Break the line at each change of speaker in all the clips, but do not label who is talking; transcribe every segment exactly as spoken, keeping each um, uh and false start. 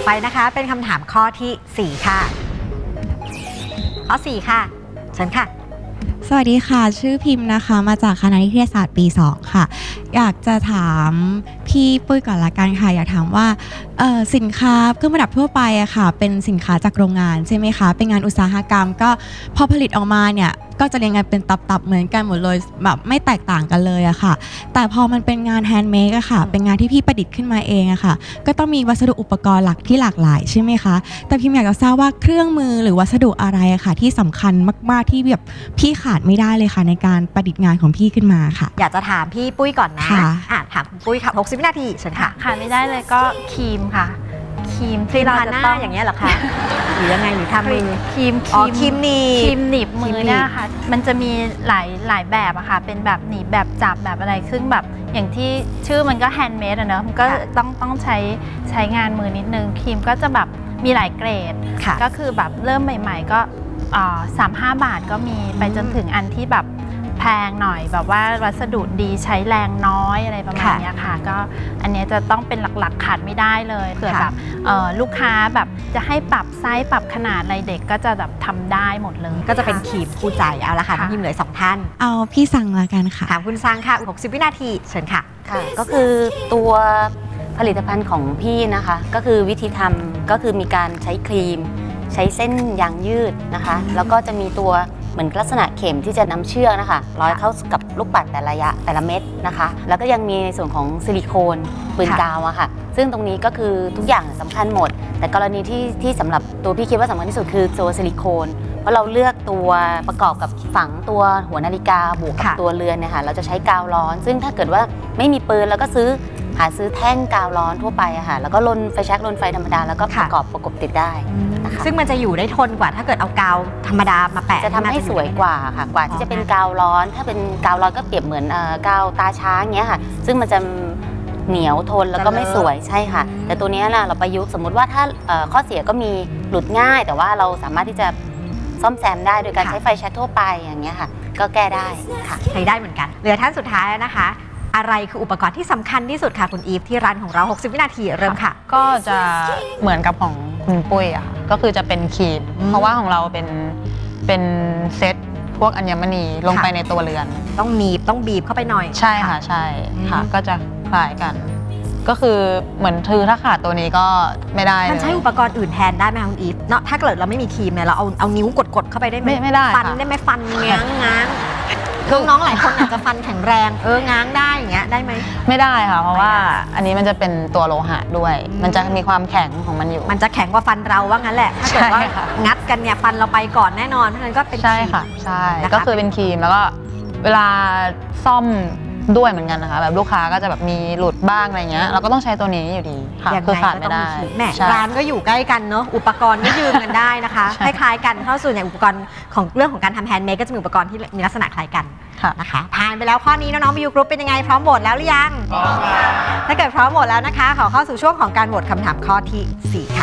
ไปนะคะเป็นคำถามข้อที่สี่ค่ะข้อสี่ค่ะเชิญค่ะ
สวัสดีค่ะชื่อพิมพ์นะคะมาจากคณะนิเทศศาสตร์ปีสองค่ะอยากจะถามพี่ปุ้ยก่อนละกันค่ะอยากถามว่าสินค้าเครื่องประดับทั่วไปอะค่ะเป็นสินค้าจากโรงงานใช่ไหมคะเป็นงานอุตสาหกรรมก็พอผลิตออกมาเนี่ยก็จะเรียงกันเป็นตับๆเหมือนกันหมดเลยแบบไม่แตกต่างกันเลยอะค่ะแต่พอมันเป็นงานแฮนด์เมดอะค่ะเป็นงานที่พี่ประดิษฐ์ขึ้นมาเองอะค่ะก็ต้องมีวัสดุอุปกรณ์หลักที่หลากหลายใช่ไหมคะแต่พิมอยากจะทราบว่าเครื่องมือหรือวัสดุอะไรอะค่ะที่สำคัญมากๆที่แบบพี่ขาดไม่ได้เลยค่ะในการประดิษฐ์งานของพี่ขึ้นมาค่ะ
อยากจะถามพี่ปุ้ยก่อนนะอ่ะถามคุณปุ้ยค่ะหกสิบวินาทีเชิญค่ะ
ขาดไม่ได้เลยก็ครีมค่ะครีมที่เราจะต้อง
อย่างเงี้ยเหรอคะหรือยังไงหรือทำมือ
ครีม
อ๋อครีมหนีบ
ครีมหนีบมือเนี่ยค่ะมันจะมีหลายหลายแบบอะค่ะเป็นแบบหนีบแบบจับแบบอะไรซึ่งแบบอย่างที่ชื่อมันก็แฮนด์เมดอะเนอะมันก็ต้องต้องใช้ใช้งานมือนิดนึงครีมก็จะแบบมีหลายเกรดก็คือแบบเริ่มใหม่ๆก็สามห้าบาทก็มีไปจนถึงอันที่แบบแพงหน่อยแบบว่าวัสดุดีใช้แรงน้อยอะไรประมาณนี้ค่ะก็อันนี้จะต้องเป็นหลักๆขาดไม่ได้เลยเผื่อแบบลูกค้าแบบจะให้ปรับไซส์ปรับขนาดอะไรเด็กก็จะแบบทำได้หมดเลย
ก็จะเป็นครีมคู่ใจเอาละค่ะทีมเหลือสองท่าน
เอาพี่สั่งละกันค่ะ
ถามคุณซังค่ะหกสิบวินาทีเชิญค่ะ
ค่ะก็คือตัวผลิตภัณฑ์ของพี่นะคะก็คือวิธีทำก็คือมีการใช้ครีมใช้เส้นยางยืดนะคะแล้วก็จะมีตัวเหมือนลักษณะเข็มที่จะนำเชือกนะคะร้อยเข้ากับลูกปัดแต่ละระยะแต่ละเม็ดนะคะแล้วก็ยังมีในส่วนของซิลิโคนปืนกาวอะค่ะซึ่งตรงนี้ก็คือทุกอย่างสำคัญหมดแต่กรณีที่ที่สำหรับตัวพี่คิดว่าสำคัญที่สุดคือตัวซิลิโคนเพราะเราเลือกตัวประกอบกับฝังตัวหัวนาฬิกาบวกกับตัวเรือนเนี่ยค่ะเราจะใช้กาวร้อนซึ่งถ้าเกิดว่าไม่มีปืนแล้วก็ซื้อหาซื้อแท่งกาวร้อนทั่วไปอะค่ะแล้วก็ลนไฟแช็กลนไฟธรรมดาแล้วก็ประกอบประกบติดได้นะคะ
ซึ่งมันจะอยู่ได้ทนกว่าถ้าเกิดเอากาวธรรมดามาแปะ
จะทำให้สวยกว่าค่ะกว่าที่จะเป็นกาวร้อนถ้าเป็นกาวร้อนก็เปรียบเหมือนกาวตาช้างเงี้ยค่ะซึ่งมันจะเหนียวทนแล้วก็ไม่สวยใช่ค่ะแต่ตัวนี้นะเราประยุกต์สมมุติว่าถ้าข้อเสียก็มีหลุดง่ายแต่ว่าเราสามารถที่จะซ่อมแซมได้โดยการใช้ไฟแช็กทั่วไปอย่างเงี้ยค่ะก็แก้ได้ค่ะ
ใช้ได้เหมือนกันเหลือท่านสุดท้ายนะคะอะไรคืออุปกรณ์ที่สำคัญที่สุดค่ะคุณอีฟที่ร้านของเราหกสิบวินาทีเริ่มค่ะ
ก็จะเหมือนกับของคุณปุ้ยอะค่ะก็คือจะเป็นครีมเพราะว่าของเราเป็นเป็นเซตพวกอัญมณีลงไปในตัวเรือน
ต้องหนีบต้องบีบเข้าไปหน่อย
ใช่ค่ะใช่ค่ะก็จะคล้ายกันก็คือเหมือนถือถ้าขาดตัวนี้ก็ไม่ได้
มันใช้อุปกรณ์อื่นแทนได้ไหมคุณอีฟเนาะถ้าเกิดเราไม่มีครีมเนี่ยเราเอาเอานิ้วกดๆเข้าไปได้ไหม
ไม่ได้
ฟันได้ไหมฟันง้างง้างน้องๆหลายคนอาจจะฟันแข็งแรงเออง้างได้อย่างเงี้ยได้ไหม
ไม่ได้ค่ะเพราะว่าอันนี้มันจะเป็นตัวโลหะด้วยมันจะมีความแข็งของมันอยู่
มันจะแข็งกว่าฟันเราว่างั้นแหละถ้าเกิดว่างัดกันเนี่ยฟันเราไปก่อนแน่นอนเพราะฉะนั้นก็เป็น
ใช่ค่ะใช่ก็คือเป็นครีมแล้วก็เวลาซ่อมด้วยเหมือนกันนะคะแบบลูกค้าก็จะแบบมีหลุดบ้างอะไรเงี้ยเราก็ต้องใช้ตัวนี้อยู่ดีค่ะคือขาดไม่ได้
แม่ร้านก็อยู่ใกล้กันเนาะอุปกรณ์ก็ยืมกันได้นะคะคล้ายๆกันเพราะส่วนใหญ่อุปกรณ์ของเรื่องของการทำแฮนด์เมดก็จะมีอุปกรณ์ที่มีลักษณะคล้ายกันนะคะผ่านไปแล้วข้อนี้น้องๆบิวกรุ๊ปเป็นยังไงพร้อมโหวตแล้วหรือยังถ้าเกิดพร้อมโหวตแล้วนะคะขอเข้าสู่ช่วงของการโหวตคำถามข้อที่สี่ค่ะ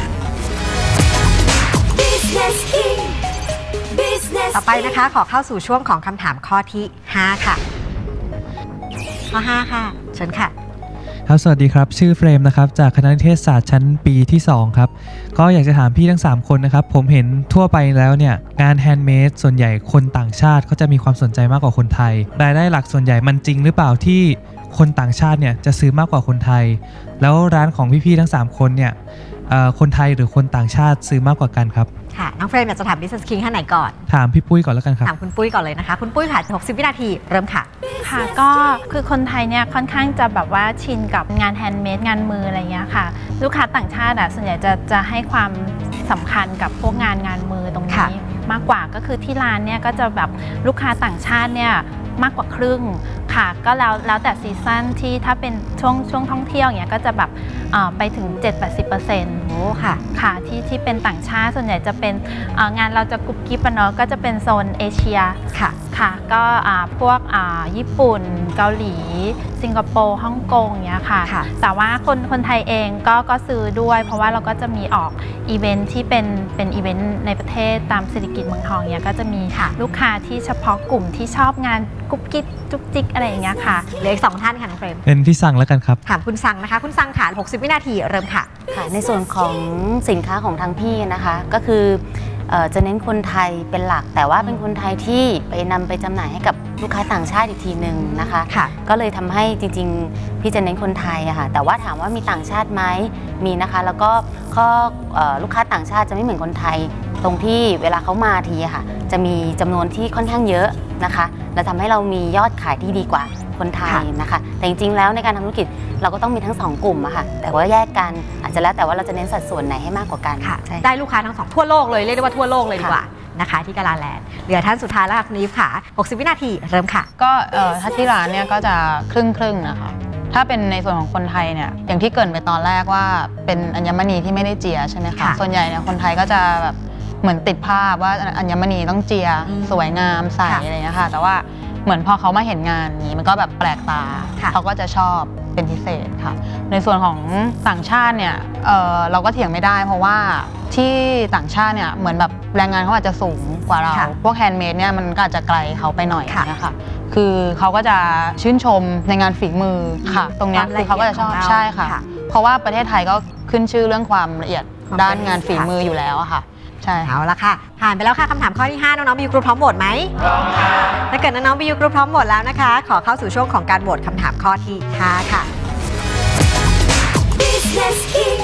ต่อไปนะคะขอเข้าสู่ช่วงของคำถามข้อที่ห้าค่ะข้อห้าค่ะเชิญค่ะ
ครับสวัสดีครับชื่อเฟรมนะครับจากคณะนิเทศศาสตร์ชั้นปีที่สองครับก็อยากจะถามพี่ทั้งสามคนนะครับผมเห็นทั่วไปแล้วเนี่ยงานแฮนด์เมดส่วนใหญ่คนต่างชาติเขาจะมีความสนใจมากกว่าคนไทยรายได้หลักส่วนใหญ่มันจริงหรือเปล่าที่คนต่างชาติเนี่ยจะซื้อมากกว่าคนไทยแล้วร้านของพี่ๆทั้งสามคนเนี่ยคนไทยหรือคนต่างชาติซื้อมากกว่ากันครับ
ค่ะน้องเฟรมอยากจะถาม Business King ท่านไหนก่อน
ถามพี่ปุ้ยก่อนแล้วกันครับ
ถามคุณปุ้ยก่อนเลยนะคะคุณปุ้ยค่ะหกสิบวินาทีเริ่มค่ะ
ค่ะก็คือคนไทยเนี่ยค่อนข้างจะแบบว่าชินกับงานแฮนด์เมดงานมืออะไรเงี้ยค่ะลูกค้าต่างชาติอ่ะส่วนใหญ่จะจะให้ความสำคัญกับพวกงานงานมือตรงนี้มากกว่าก็คือที่ร้านเนี่ยก็จะแบบลูกค้าต่างชาติเนี่ยมากกว่าครึ่งค่ะก็แล้วแล้วแต่ซีซั่นที่ถ้าเป็นช่วงช่วงท่องเที่ยวอย่างเงี้ยก็จะแบบไปถึง เจ็ดถึงแปดสิบเปอร์เซ็นต์ โอ้ค่ะค่ะที่ที่เป็นต่างชาติส่วนใหญ่จะเป็นงานเราจะกุ๊บกิ๊บเนาะก็จะเป็นโซนเอเชียค่ะค่ะก็อ่าพวกอ่าญี่ปุ่นเกาหลี สิงคโปร์ฮ่องกงเนี้ยค่ะ
ค่ะ
แต่ว่าคนคนไทยเองก็ก็ซื้อด้วย เพราะว่าเราก็จะมีออกอีเวนท์ที่เป็นเป็นอีเวนต์ในประเทศตามเศรษฐกิจเมืองทองเนี้ยก็จะมีลูกค้าที่เฉพาะกลุ่มที่ชอบงานกุ๊บกิ๊บจุกจิกอะไรอย่างเงี้ยค่ะ
เหลืออีกสองท่านค่ะน้องเฟรม
เป็นพี่สั่งแล้วกันครับ
ถามคุณซังนะคะ คุณซังค่ะหกสิบวินาทีเริ่มค่ะ
ค่ะในส่วนของสินค้าของทางพี่นะคะก็คือเอ่อจะเน้นคนไทยเป็นหลัก แต่ว่าเป็นคนไทยที่ไปนำไปจำหน่ายให้กับลูกค้าต่างชาติอีกทีหนึ่งนะคะ
ค่ะ
ก็เลยทำให้จริงๆพี่จะเน้นคนไทยอะค่ะแต่ว่าถามว่ามีต่างชาติไหมมีนะคะแล้วก็ข้อเอ่อลูกค้าต่างชาติจะไม่เหมือนคนไทย ตรงที่เวลาเขามาทีอะค่ะจะมีจำนวนที่ค่อนข้างเยอะนะคะและทำให้เรามียอดขายที่ดีกว่าคนไทยนะคะแต่จริงๆแล้วในการทำธุรกิจเราก็ต้องมีทั้งสองกลุ่มอะค่ะแต่ว่าแยกกันอาจจะแล้วแต่ว่าเราจะเน้นสัดส่วนไหนให้มากกว่ากัน
ค่ะ
ใช่
ได้ลูกค้าทั้งสองทั่วโลกเลยเรียกได้ว่าทั่วโลกเลยดีกว่านะคะที่กาลาแลนด์เหลือท่านสุดท้ายแล้วค่ะคุณอีฟค่ะหกสิบวินาทีเริ่มค่ะ
ก็เอ่อถ้าที่ร้านเนี่ยก็จะครึ่งครึ่งๆนะคะถ้าเป็นในส่วนของคนไทยเนี่ยอย่างที่เกริ่นไปตอนแรกว่าเป็นอัญมณีที่ไม่ได้เจียใช่ไหมคะ
ค่ะ
ส่วนใหญ่เนี่ยคนไทยก็จะแบบเหมือนติดภาพว่าอัญมณีต้องเจีย
อืม
สวยงามใส
ค่ะ
อะไรอย่างเงี้ยค่ะแต่ว่าเหมือนพอเขามาเห็นงานนี้มันก็แบบแปลกตา
ค่ะ
เขาก็จะชอบเป็นพิเศษค่ะในส่วนของต่างชาติเนี่ยเอ่อเราก็เถียงไม่ได้เพราะว่าที่ต่างชาติเนี่ยเหมือนแบบแรงงานเขาอาจจะสูงกว่าเรา
ค่ะ
พวกแฮนด์เมดเนี่ยมันก็อาจจะไกลเขาไปหน่อย
ค่ะ
นะคะคือเขาก็จะชื่นชมในงานฝีมือค่ะ ตรงเนี้ย
ความ
คือเขาก็จะชอบ
ละเอียดของเรา
ใช่ค่ะ
ค่ะ
เพราะว่าประเทศไทยก็ขึ้นชื่อเรื่องความละเอียด
ความ
ด้าน
ละเอียด
งานฝี
ค่ะ
มืออยู่แล้วอะค่ะ ใช่ค่ะ
เอาละค่ะ ผ่านไปแล้วค่ะคำถามข้อที่ห้าน้องๆบิวกรุ๊ปพร้อมโหวตไหมพร้อมค่ะถ้าเกิดน้องๆบิวกรุ๊ปพร้อมโหวตแล้วนะคะ ขอเข้าสู่ช่วงของการโหวตคำถามข้อที่ห้าค่ะ
Business King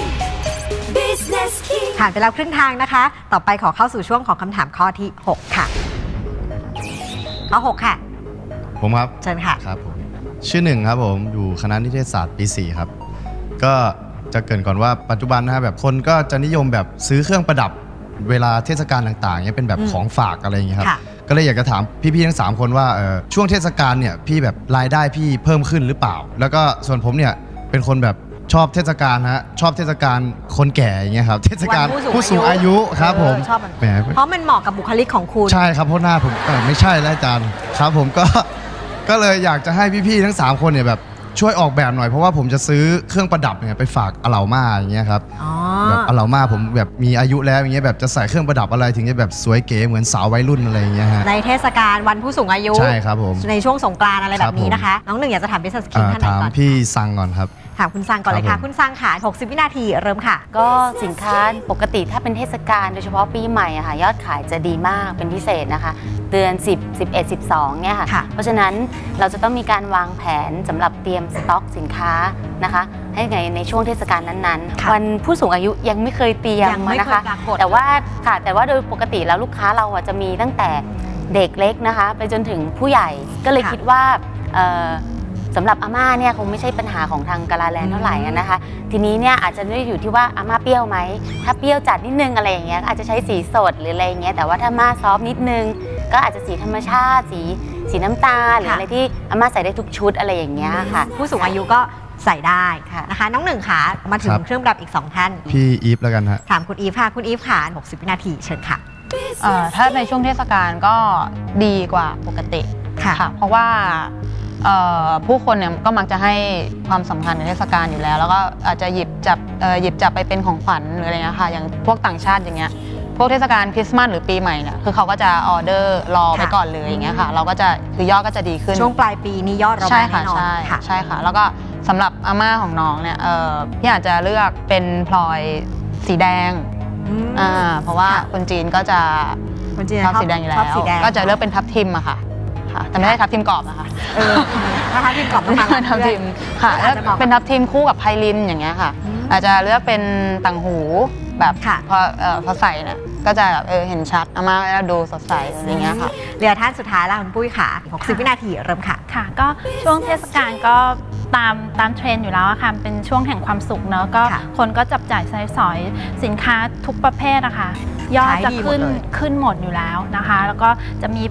Business King
ผ่านไปแล้วครึ่งทางนะคะ ต่อไปขอเข้าสู่ช่วงของคำถามข้อที่หกค่ะข้อหกค่ะ
ผมครับ
เชิญค่ะ
ครับผมชื่อหนึ่งครับผมอยู่คณะนิเทศศาสตร์ปีสี่ครับก็จะเกริ่นก่อนว่าปัจจุบันนะฮะแบบคนก็จะนิยมแบบซื้อเครื่องประดับเวลาเทศกาลต่างๆเนี่ยเป็นแบบ
อืม
ของฝากอะไรอย่างเงี้ยครับ
ค่ะ
ก็เลยอยากจะถามพี่ๆทั้งสามคนว่าเอ่อช่วงเทศกาลเนี่ยพี่แบบรายได้พี่เพิ่มขึ้นหรือเปล่า แล้วก็ส่วนผมเนี่ยเป็นคนแบบชอบเทศกาลฮะชอบเทศกาลคนแก่อย่างเงี้ยครับเทศกาล
วันผู้
ผู้
สู
สู
ง
ง
อา
อา
ยุ
ยุครับผม
เออชอบมัน
แหม
เพราะมันเหมาะกับบุคลิกของคุณ
ใช่ครับเพราะหน้าผมเออไม่ใช่แล้วอาจารย์ครับผมก็ ก็เลยอยากจะให้พี่ๆทั้งสามคนเนี่ยแบบช่วยออกแบบหน่อยเพราะว่าผมจะซื้อเครื่องประดับเนี่ยไปฝากอาเหล่าม่าอย่างเงี้ยครับ
อ๋อ
แบบอาเหล่าม่าผมแบบมีอายุแล้วอย่างเงี้ยแบบจะใส่เครื่องประดับอะไรถึงจะแบบสวยเก๋เหมือนสาววัยรุ่นอะไรอย่างเงี้ยฮะ
ในเทศกาลวันผู้สูงอายุ
ใช่ครับผม
ในช่วงสงกรานต์อะไรแบบนี้
ครับผม
นะคะ น้องหนึ่งอยากจะถาม Business King
อ่า
ท่านไหน
ถาม
ก่อน
พี่ซังก่อนครับ
ถามคุณซังก่อนเลย
ครั
ค่ะ
บผม
คุณซังค่ะหกสิบวินาทีเริ่มค่ะ
ก็สินค้าปกติถ้าเป็นเทศกาลโดยเฉพาะปีใหม่อะค่ะยอดขายจะดีมากเป็นพิเศษนะคะเดือนสิบ สิบเอ็ด สิบสองเนี่ยค่ะ
ค่ะ
เพราะฉะนั้นเราจะต้องมีการวางแผนสำหรับเตรียมสต็อกสินค้านะคะให้ในในช่วงเทศกาลนั้น
ค่ะ
ๆ วันผู้สูงอายุยังไม่เคยเตรียม
ยังไม่
นะ
เคย
คะ
ปรากฏ
แต่ว่าค่ะแต่ว่าโดยปกติแล้วลูกค้าเราอะจะมีตั้งแต่เด็กเล็กนะคะ ไปจนถึงผู้ใหญ่ก็เลย
ค่ะ
คิดว่าเอ่อสำหรับอาม่าเนี่ยคงไม่ใช่ปัญหาของทางกาลาแลนด์เท่าไหร่อะนะคะ ทีนี้เนี่ยอาจจะไม่ได้อยู่ที่ว่าอาม่าเปรี้ยวไหมถ้าเปรี้ยวจัดนิดนึงอะไรอย่างเงี้ยก็อาจจะใช้สีสดหรืออะไรอย่างเงี้ยแต่ว่าถ้าอาม่าซอฟต์นิดนึงก็อาจจะสีธรรมชาติสีสีน้ำตาลหรือ
ค่ะ
อะไรที่อาม่าใส่ได้ทุกชุดอะไรอย่างเงี้ยค่ะ
ผู้สูงอายุก็ใส่ได้
ค่ะ
นะคะ น้องหนึ่งค่ะมาถึง
ครับ
เครื่องประดับอีกสองท่าน
พี่อีฟแล้วกันฮะ
ถามคุณอีฟค่ะคุณอีฟค่ะหกสิบวินาทีเชิญค่ะ
เอ่อถ้าในช่วงเทศกาลก็ดีกว่าปกติ
ค่ะ
เพราะว่าเอ่อผู้คนเนี่ยก็มักจะให้ความสำคัญในเทศกาลอยู่แล้ว แล้วก็อาจจะหยิบจับเอ่อหยิบจับไปเป็นของขวัญหรืออะไรเงี้ยค่ะอย่างพวกต่างชาติอย่างเงี้ยพวกเทศกาลคริสต์มาสหรือปีใหม่เนี่ยคือเขาก็จะออเดอร์รอไป
ค่ะ
ก่อนเลยอย่างเงี้ยค่ะเราก็จะคือยอดก็จะดีขึ้น
ช่วงปลายปีนี้ยอดเรา
ใช่
มา
ค่ะ
แน่นอน
ใช่
ค่ะ
ใช่ค่ะ แล้วก็สำหรับอาม่าของน้องเนี่ยเอ่อพี่อาจจะเลือกเป็นพลอยสีแดง
อืม
อ่าเพราะว่า
ค่ะ
คนจีนก็จะ
คนจีน
ชอบสีแดงอยู่แล้ว
ชอบสีแดง
ก็จะเลือกเป็นทับทิมอะค่ะค่ะ แต่ไม่ใช่ทับทิมกรอบนะคะ
เออถ้าทับทิมกรอบต้องมา
ทับทิมค่ะ
อา
แล้
จ
ว
จะเหมาะ
เป็นทับทิมคู่กับไพลินอย่างเงี้ยค่ะ
อืม
อาจจะเลือกเป็นต่างหูแบบ
ค่ะ
พอเอ่อพอใส่เนี่ยก็จะแบบเออเห็นชัดอาม่าก็ดูสดใสอะไรเงี้ยค่ะ
เหลือท่านสุดท้ายแล้วคุณปุ้ยค่ะหกสิบวินาทีเริ่มค่ะ
ค่ะก็ช่วงเทศกาลก็ตามตามเทรนด์อยู่แล้วอะค่ะเป็นช่วงแห่งความสุขเนอะก็
ค่ะ
คนก็จับจ่ายใช้สอยสินค้าทุกประเภทอะค่ะยอด
ขาย
จะ
ดีหมด
ขึ้น
เลย
ขึ้นหมดอยู่แล้วนะคะ แล้วก็จะมี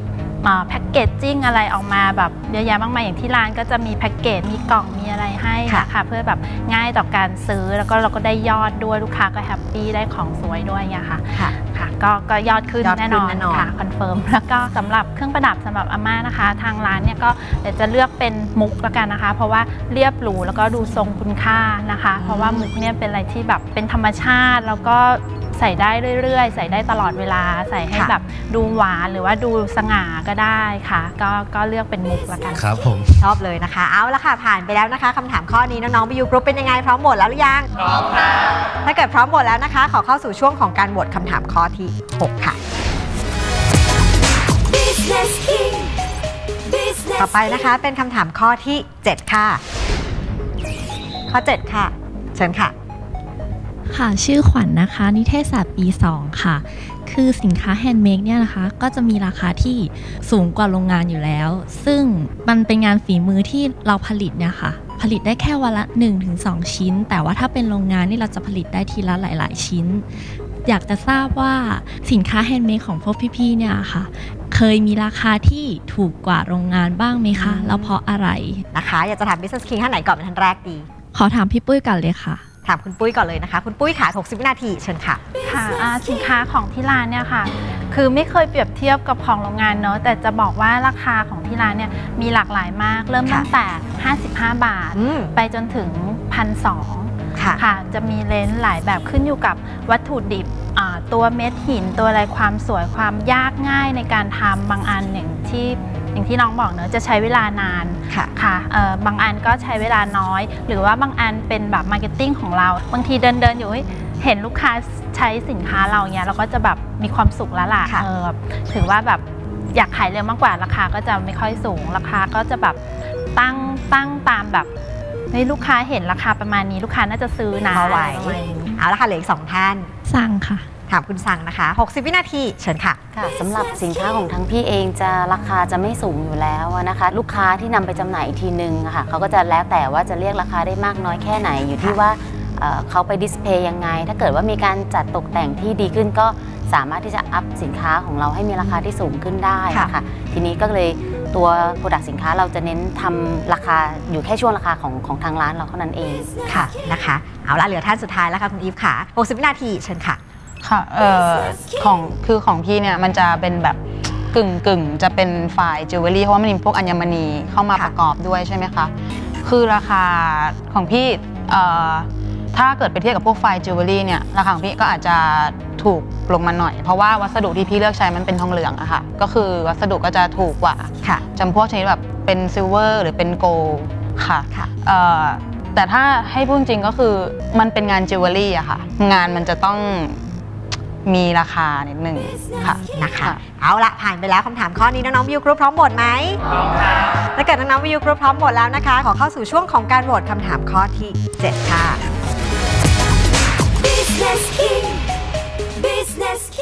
แพ็กเกจจิ้งอะไรออกมาแบบเยอะแยะมากมายอย่างที่ร้านก็จะมีแพ็กเกจมีกล่องมีอะไรให้นะคะเพื่อแบบง่ายต่อการซื้อแล้วก็เราก็ได้ยอดด้วยลูกค้าก็แฮปปี้ได้ของสวยด้วยเนี่ยค่ะ
ค่ะ
ค่ะก็ก็ยอดขึ้น
ยอดขึ้น
แน่นอน
แน่นอน
ค่ะคอนเฟิร์มแล้วก็สำหรับเครื่องประดับสำหรับอาม่านะคะ ทางร้านเนี่ยก็เดี๋ยวจะเลือกเป็นมุกละกันนะคะ เพราะว่าเรียบหรูแล้วก็ดูทรงคุณค่านะคะ เพราะว่ามุกเนี่ยเป็นอะไรที่แบบเป็นธรรมชาติแล้วก็ใส่ได้เรื่อยๆ ใส่ได้ตลอดเวลาใส่ให้แบบดูหวานหรือว่าดูสง่าก็ได้ค่ะ ก็ก็เลือกเป็นมุกละกัน
ครับผม
ชอบเลยนะคะ เอาละค่ะผ่านไปแล้วนะคะคำถามข้อนี้น้องๆบียูกรุ๊ปเป็นยังไงพร้อมโหวตแล้วหรือยังพร้อมค่ะถ้าเกิดพร้อมโหวตแล้วนะคะ ขอเข้าสู่ช่วงของการโหวตคำถามข้อที่หกค่ะ
Business King Business
ต่อไปนะคะเป็นคำถามข้อที่เจ็ดค่ะ ข้อเจ็ดค่ะ เชิญค่ะ
ค่ะชื่อขวัญนนะคะ นิเทศศาสตร์ปี สอง ค่ะ คือสินค้าแฮนด์เมดเนี่ยนะคะก็จะมีราคาที่สูงกว่าโรงงานอยู่แล้ว ซึ่งมันเป็นงานฝีมือที่เราผลิตเนี่ยค่ะผลิตได้แค่วันละ หนึ่งถึงสอง ชิ้น แต่ว่าถ้าเป็นโรงงานนี่เราจะผลิตได้ทีละหลาย ๆ ชิ้น อยากจะทราบว่าสินค้าแฮนด์เมดของพวกพี่ๆเนี่ยค่ะเคยมีราคาที่ถูกกว่าโรงงานบ้างไหมคะ แล้วเพราะอะไร
นะคะ อยากจะถาม Business King ท่านไหนก่อนเป็นท่านแรกดี
ขอถามพี่ปุ้ยกันเลยค่ะ
ถามคุณปุ้ยก่อนเลยนะคะ คุณปุ้ยค่ะหกสิบวินาทีเชิญค่ะ
ค่ะอ่าสินค้าของที่ร้านเนี่ยค่ะ คือไม่เคยเปรียบเทียบกับของโรงงานเนอะแต่จะบอกว่าราคาของที่ร้านเนี่ยมีหลากหลายมาก เริ่มตั้งแต่ ห้าสิบห้า บาท
อืม
ไปจนถึง หนึ่งพันสองร้อย
ค่ะ
ค่ะ จะมีเลนส์หลายแบบขึ้นอยู่กับวัตถุดิบอ่าตัวเม็ดหินตัวอะไรความสวยความยากง่ายในการทำบางอันอย่างที่อย่างที่น้องบอกเนอะจะใช้เวลานาน
ค่ะ
ค่ะเอ่อบางอันก็ใช้เวลาน้อย หรือว่าบางอันเป็นแบบมาร์เก็ตติ้งของเรา บางทีเดินเดินอยู่เฮ้ยเห็นลูกค้าใช้สินค้าเราเนี้ยเราก็จะแบบมีความสุขแล้วล่ะ
ค่ะ
เออถือว่าแบบอยากขายเร็วมากกว่าราคาก็จะไม่ค่อยสูง ราคาก็จะแบบตั้งตั้งตามแบบเฮ้ยลูกค้าเห็นราคาประมาณนี้ลูกค้าน่าจะซื้อนะ
พอไหว
ประมาณนี้
เอาละค่ะเหลืออีกสองท่าน
สั่งค่ะ
ถามคุณสั่งนะคะหกสิบวินาทีเชิญค่ะ
ค่ะสำหรับสินค้าของทั้งพี่เองจะราคาจะไม่สูงอยู่แล้วนะคะ ลูกค้าที่นำไปจำหน่ายอีกทีนึงอะค่ะเขาก็จะแล้วแต่ว่าจะเรียกราคาได้มากน้อยแค่ไหนอยู่ที่ว่าเอ่อเขาไปดิสเพย์ยังไง ถ้าเกิดว่ามีการจัดตกแต่งที่ดีขึ้นก็สามารถที่จะอัพสินค้าของเราให้มีราคาที่สูงขึ้นได้
ค่ะ
ค่ะทีนี้ก็เลยตัวโปรดักต์สินค้าเราจะเน้นทำราคาอยู่แค่ช่วงราคาของของทางร้านเราเท่านั้นเอง
ค่ะนะคะ เอาละเหลือท่านสุดท้ายแล้วค่ะคุณอีฟค่ะหกสิบวินาทีเชิญค่ะ
ค่ะเอ่อของคือของพี่เนี่ยมันจะเป็นแบบกึ่งกึ่งจะเป็นฝ่ายจิวเวลรี่เพราะว่ามันมีพวกอัญมณีเข้ามา
ค่ะ
ประกอบด้วยใช่ไหมคะคือราคาของพี่เอ่อถ้าเกิดไปเทียบกับพวกไฟจิวเวลรี่เนี่ยราคาของพี่ก็อาจจะถูกลงมาหน่อย เพราะว่าวัสดุที่พี่เลือกใช้มันเป็นทองเหลืองอะค่ะก็คือวัสดุก็จะถูกกว่า
ค่ะ
จำพวกชนิดแบบเป็นซิลเวอร์หรือเป็นโกลด์ค่ะ
ค่ะ
เอ่อแต่ถ้าให้พูดจริงก็คือมันเป็นงานจิวเวลรี่อะค่ะงานมันจะต้องมีราคานิดนึงค่ะ
นะคะ เอาละผ่านไปแล้วคำถามข้อนี้น้องๆวิวกรุ๊ปพร้อมโหวตไหมพร้อมค่ะถ้าเกิดน้องๆวิวกรุ๊ปพร้อมโหวตแล้วนะคะ ขอเข้าสู่ช่วงของการโหวตคำถามข้อที่เจ็ดค่ะ
Business King Business